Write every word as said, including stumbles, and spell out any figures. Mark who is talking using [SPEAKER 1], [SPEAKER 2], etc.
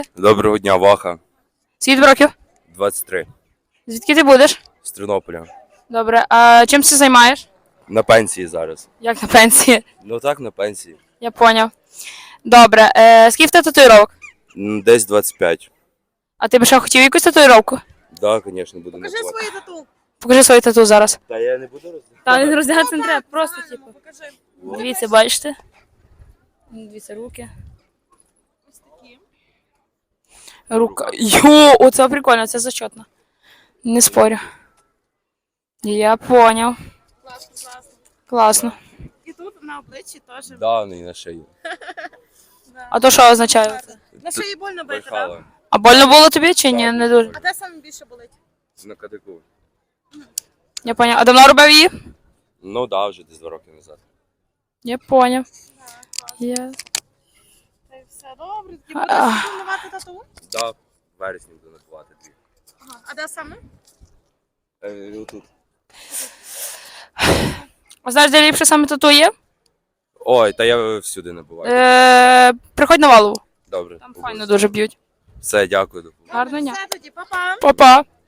[SPEAKER 1] Доброго дня, Ваха.
[SPEAKER 2] Скільки років?
[SPEAKER 1] двадцять три.
[SPEAKER 2] Звідки ти будеш?
[SPEAKER 1] З Тернополя.
[SPEAKER 2] Добре. А чим ти займаєш?
[SPEAKER 1] На пенсії зараз.
[SPEAKER 2] Як на пенсії?
[SPEAKER 1] Ну так, на пенсії.
[SPEAKER 2] Я поняв. Добре. Е, скільки в тебе татуїровок?
[SPEAKER 1] М, Десь двадцять п'ять.
[SPEAKER 2] А ти б ще хотів якусь татуїровку?
[SPEAKER 1] Так, да, звісно, буду
[SPEAKER 3] Покажи
[SPEAKER 1] набувати.
[SPEAKER 3] свої тату.
[SPEAKER 2] Покажи свої тату зараз.
[SPEAKER 1] Та я не буду роздавати.
[SPEAKER 2] Та не роздягатися не треба, просто типу.
[SPEAKER 3] Покажи.
[SPEAKER 2] Дивіться, бачите? Дивіться, руки.
[SPEAKER 3] Ось такі.
[SPEAKER 2] Рука. Йо, оце прикольно, це зачетно. Не спорю. Я поняв.
[SPEAKER 3] Класно, класно.
[SPEAKER 2] Класно.
[SPEAKER 3] І тут на обличчі теж.
[SPEAKER 1] Да, ну і на шиї.
[SPEAKER 2] А то що означає? це?
[SPEAKER 3] На шиї больно бити, так?
[SPEAKER 1] Брехала.
[SPEAKER 2] А больно було тобі чи ні? Не дуже.
[SPEAKER 3] А де саме більше болить?
[SPEAKER 1] На кадику.
[SPEAKER 2] Я поняв. А давно робив її?
[SPEAKER 1] Ну да, вже десь два роки назад.
[SPEAKER 2] Я поняв.
[SPEAKER 3] Так, класно.
[SPEAKER 2] Я...
[SPEAKER 3] Це все добре. Ти
[SPEAKER 2] А.
[SPEAKER 3] будеш планувати тату?
[SPEAKER 1] Да, в вересні буду набувати дві.
[SPEAKER 3] Ага. А де саме?
[SPEAKER 1] Е, отут.
[SPEAKER 2] А знаєш, де ліпше саме тату є?
[SPEAKER 1] Ой, та я всюди набуваю.
[SPEAKER 2] Е, приходь на Валову.
[SPEAKER 1] Добре.
[SPEAKER 2] Там файно дуже б'ють.
[SPEAKER 1] Все, дякую. До побачення.
[SPEAKER 2] Гарного дня.
[SPEAKER 3] Все тоді, па-па.
[SPEAKER 2] Па-па.